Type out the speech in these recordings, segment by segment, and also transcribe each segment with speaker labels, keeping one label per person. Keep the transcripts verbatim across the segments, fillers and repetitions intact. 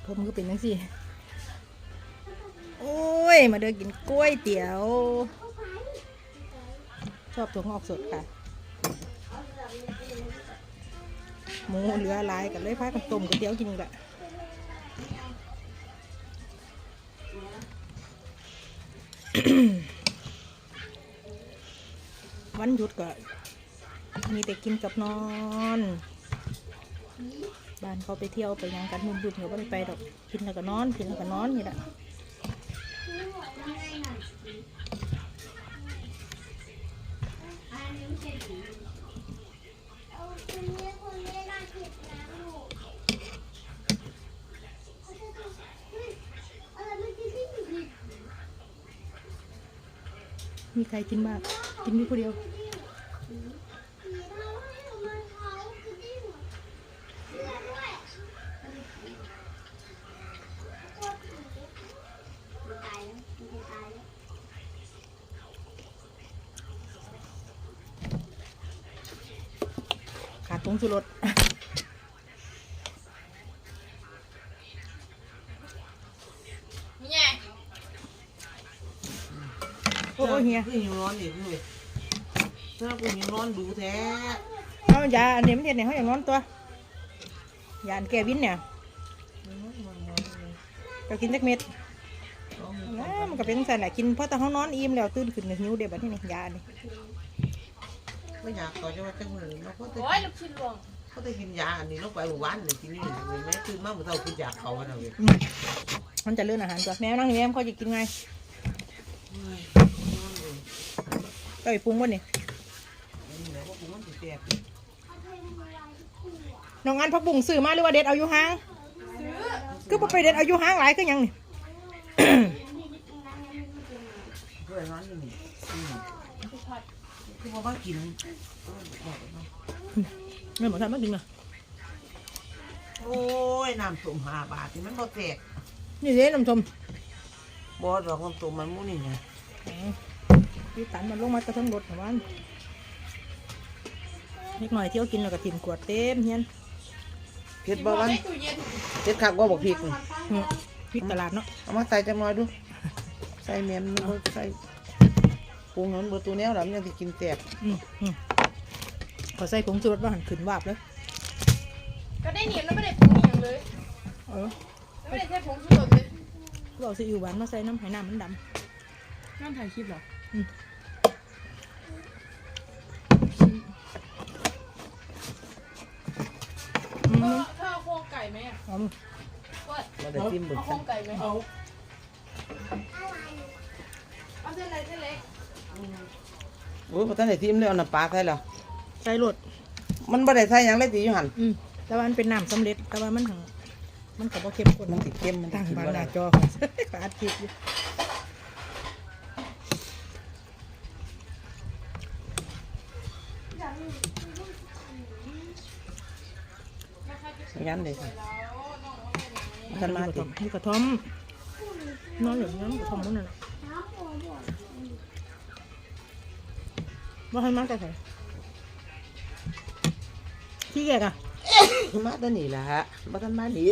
Speaker 1: ผมก็เป็นจังซี่โอ้ยมาเดินกินกล้วยเตี๋ยวชอบถั่วงอกสดค่ะหมูเหลือหลายกันเลยพากันต้มก๋วยเตี๋ยวกินแหละวันหยุดก็มีแต่กินกับนอนบ้านเขาไปเที่ยวไปยังกันมุ่งดุเขาไม่ได้ไปดอกกินแล้วก็นอนกินแล้วก็นอนนี่แหละมีใครกินบ้างกินมีคนเดียวขาดผงชูรสโอ้ยเฮีย
Speaker 2: คือหิวร้อนอีกเลยถ้ากูหิวร้อนดูแท้
Speaker 1: เอายาอันนี้มันเด็ดเนี่ยเขาอย่างนอนตัวยาอันแก้วินเนี่ยก็กินจักเม็ดนะมันก็เป็นสั่นแหละกินเพราะแต่เขานอนอิ่มแล้วตื่นขึ้นหิวเดี๋ยวแบบนี้ยานี่
Speaker 2: ไม่อยากต่อจะว่าจังเลยเราก็จะ
Speaker 3: โอ้ยลูกชิ้นรวง
Speaker 2: เขาจะกินยาอันนี้ลงไปหมู่บ้านเลยกินนี่เห็นไหมตื่นมาเมื่อเช้ากินยาเขาอะไรเลย
Speaker 1: มันจะเลื่อนอาหารตัวแมวนั่งอยู่แมวเขาจะกินไงก็ไปปรุงวะนี่น้องอันพักบุ้งซื้อมาหรือว่าเด็ดเอาอยู่ห้างก็ไปเด็ดเอาอยู่ห้างหลายก็ยังนี่
Speaker 2: เพื่อนร้อนนี่คือพอมากิน
Speaker 1: ไม่หมดทำไม่กินอ่ะ
Speaker 2: โอ้ยน้ำส้มห้าบาทที่มันบ่แตก
Speaker 1: นี่เด้น้ำส้ม
Speaker 2: บ่ดอกน้ำส้มมันมู้นี่ไง
Speaker 1: พี่ตันมันลงมากระทั่งรถของมันนิดหน่อยเที่ยวกินแล้วก็ถิ่มขวดเต็มเฮียน
Speaker 2: เผ็ดบ่วันเผ็ดคักบ่บอกพริก
Speaker 1: พริกตลาดเนาะ
Speaker 2: เอามาใส่จังหน่อยดูใส่เมียนใส่ปรุงนั้นเบอร์ตัวแนวหลังยังที่กินแตก
Speaker 1: พอใส่ผงชูรสว่าหันขึ้นวาบเลย
Speaker 3: ก็ได้เหนียวแล้วไม่ได้ปรุงอย่างเลย
Speaker 1: เออ
Speaker 3: ไม่ได้ใช้ผงชูรสเลย
Speaker 1: เราซีอิ๊วหวานมาใส่น้ำไหหน้ามันดำ
Speaker 3: น้ำถ่ายคลิปเหรอเธอเอาโครงไก่ไหมอ่ะ
Speaker 1: เอา
Speaker 2: มาได้จิ้มเบอร์
Speaker 3: เอาโครงไก่ไหมเอาเอาเส้นอะไรเส้นเล็ก
Speaker 2: โอ้ยพอท่านได้จิ้มเลยเอาน้ำปลาใส่แล้ว
Speaker 1: ใส่รส
Speaker 2: มันบ่ได้ใส่ยังเลยตีอยู่หัน
Speaker 1: อืมแต่ว่ามันเป็นน้ำสำเร็จแต่ว่ามันทั้งมันกับว่าเข้มข้น
Speaker 2: มันติดเข้มมัน
Speaker 1: ตั้งบานหน้าจอปาดคลิปอยู่
Speaker 2: ยันเลยค่ะท่านมาติด
Speaker 1: มีกระท่อมนอนอย่างนี้กระท่อมนั่นแหละว่าให้มาแต่ไหนที่แกอะ
Speaker 2: มาตัวนี้แหละฮะมาท่านมาหนี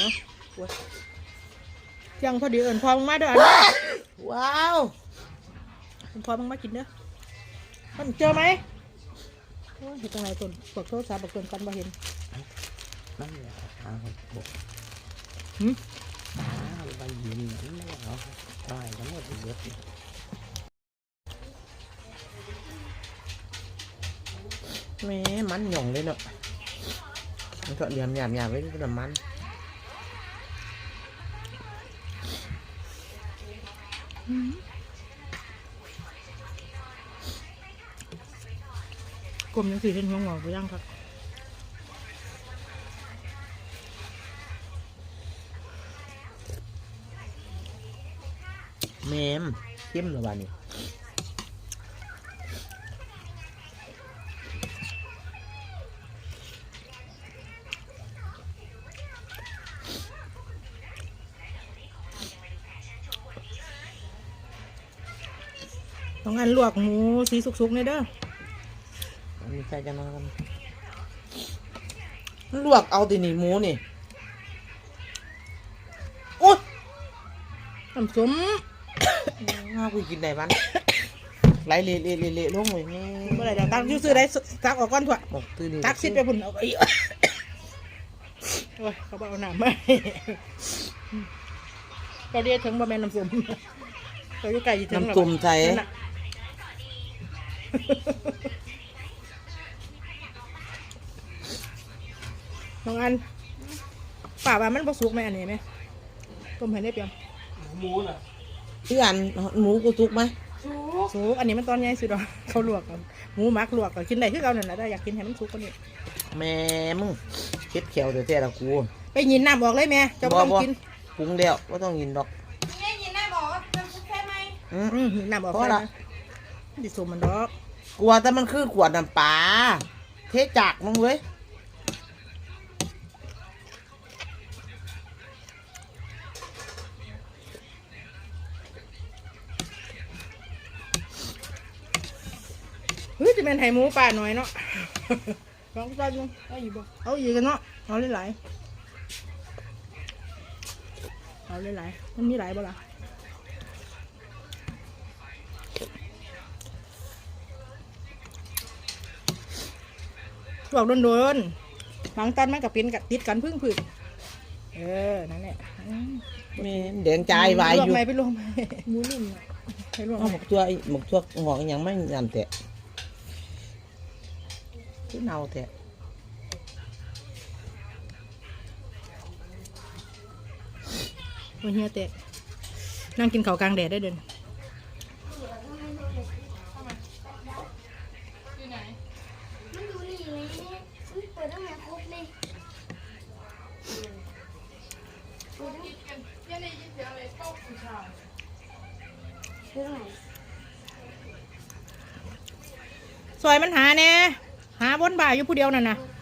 Speaker 1: ยังพอดีเอิญพอมึงมาด้วย
Speaker 2: ว้าว
Speaker 1: พอมึงมากินเด้อมันเจอไหมเห็นตรงไหนต้นปกโทษสาปกต้นกันบ่เห็น
Speaker 2: นั่นแหละทางบก
Speaker 1: หืม
Speaker 2: ใบยินไม่เอาใช่ทั้งหมดเยอะแม่มันหย่องเลยเนาะมันก็เหลี่ยมหยาบหยาบไว้ด้วยน้ำมัน
Speaker 1: กลมยังสีเห็นหัวงอกไปยังครับ
Speaker 2: แมมเข้มหรือเปล่านี่
Speaker 1: ต้องอันลวกหมูสีสุกๆเลยเด้อ
Speaker 2: มีใครจะมากันลวกเอาตีนี่หมูนี่
Speaker 1: น้ำส้ม
Speaker 2: ข้าวกูกินได้บ้านไหลเละเละเละเละลงเลยแม่
Speaker 1: เมื่อไหร่เดี๋ยวตักยูซื้อได้ตักออกก่อนถั่ว
Speaker 2: บอกตื่น
Speaker 1: ตักซิดไปพุ่นเอาไปอีกโอ้ยเขาบอกเอาหนามมาก็เรียกถึงบะแมนน้ำส้มเขาอยู่ไก่ถึง
Speaker 2: น้ำตุ่มไทย
Speaker 1: นั่นน่ะน้องอันป่าว่ามันผสุกไหมอันนี้ไหมต้มให้ได้เปรียง
Speaker 3: หมูน่ะ
Speaker 2: พี่อันหมูกูทุกไหม
Speaker 3: ชู
Speaker 1: สุกอันนี้มันตอนใหญ่สุดหรอเขาลวกกันหมูหมักลวกก็กินได้คือเอานั่นแหละแต่อยากกินให้มันสุกกว่านี้
Speaker 2: แม่มึงเช็ดเขียวเดี๋ยวแต่ละกู
Speaker 1: ไปยินน้ำออกเลยแม่เจ้าบ่ต้องกิน
Speaker 2: ปรุงแล้วว่าต้องกินดอก
Speaker 3: นี่ยินได้บอกว่าจะแค่ไหม
Speaker 2: อืม
Speaker 1: อืมน้ำออก
Speaker 2: เพราะ
Speaker 1: เลย
Speaker 2: ละ
Speaker 1: นะดิสมมันดอก
Speaker 2: กลัวแต่มันคือขวดน้ำปลาเทจากมึงเว้ย
Speaker 1: เฮ้ยจะเป็นไห่หมูป่าหน่อยเนาะ ลองจานนึงเอาอีกบ่เอาอีกกันเนาะเอาหลายๆเอาหลายๆมันมีหลายบ่ล่ะบอกโดนๆบางตันมันกับเป็นกับติดกันพึ่งพึ่งเออนั่นแหละอืม
Speaker 2: แม่แดงใจวายอยู่
Speaker 1: ลวกไหมไปลวกไหมหมูนิ่มอะให้ลวก
Speaker 2: เอา
Speaker 1: ไห
Speaker 2: ห
Speaker 1: ม
Speaker 2: มกตัวหมกตัวงอกยังไม่ยันแตะที่เนาแตะ
Speaker 1: โอ้ยเฮียเตะนั่งกินข้าวกลางแดดได้เดิน
Speaker 3: อยู่ไหน
Speaker 4: มันดูนี่เลยมันเปิดตั้งแต่ครบเลยเปิดตั้ง
Speaker 3: กินกันยังได้ยินเสียงอะไรเข้าผู้ชาย
Speaker 4: เปิดตั้งไหน
Speaker 1: ซอยมันหาแน่หาบนบ่ายอยู่ผู้เดียวนั่นนะ
Speaker 4: เ